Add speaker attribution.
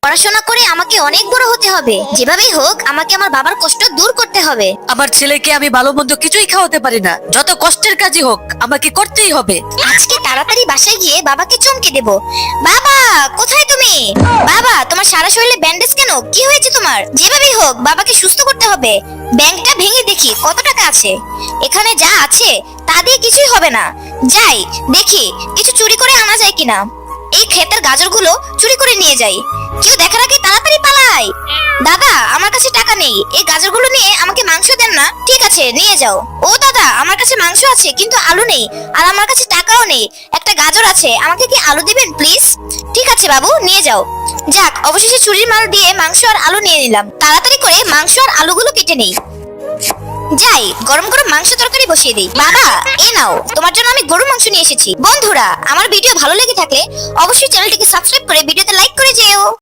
Speaker 1: পড়াশোনা করে আমাকে অনেক বড় হতে হবে, যেভাবেই হোক আমাকে আমার বাবার কষ্ট দূর করতে হবে।
Speaker 2: আমার ছেলেকে আমি ভালো মন্দ কিছুই খাওয়াতে পারি না, যত কষ্টের কাজই হোক আমাকে করতেই হবে।
Speaker 1: আজকে তাড়াতাড়ি বাসায় গিয়ে বাবাকে চমকে দেব। বাবা, কোথায় তুমি? বাবা, তোমার সারা শরীরে ব্যান্ডেজ কেন? কি হয়েছে তোমার? যেভাবেই হোক বাবাকে সুস্থ করতে হবে। ব্যাংকটা ভেঙে দেখি কত টাকা আছে। এখানে যা আছে তা দিয়ে কিছুই হবে না। যাই দেখি কিছু চুরি করে আনা যায় কিনা। এই ক্ষেতের গাজরগুলো চুরি করে নিয়ে যাই। কেউ দেখার আগে তাড়াতাড়ি পালাই। দাদা, আমার কাছে টাকা নেই, এই গাজরগুলো নিয়ে আমাকে মাংস দেন না। ঠিক আছে, নিয়ে যাও। ও দাদা, আমার কাছে মাংস আছে কিন্তু আলু নেই, আর আমার কাছে টাকাও নেই। একটা গাজর আছে, আমাকে কি আলু দিবেন প্লিজ? ঠিক আছে বাবু, নিয়ে যাও। যাক, অবশেষে চুরির মাল দিয়ে মাংস আর আলু নিয়ে নিলাম। তাড়াতাড়ি করে মাংস আর আলুগুলো কেটে নেই। যাই, গরম গরম মাংস তরকারি বসিয়ে দিই। বাবা, এ নাও, তোমার জন্য আমি গরুর মাংস নিয়ে এসেছি। বন্ধুরা, আমার ভিডিও ভালো লেগে থাকলে অবশ্যই চ্যানেলটিকে সাবস্ক্রাইব করে ভিডিওতে লাইক করে যেও।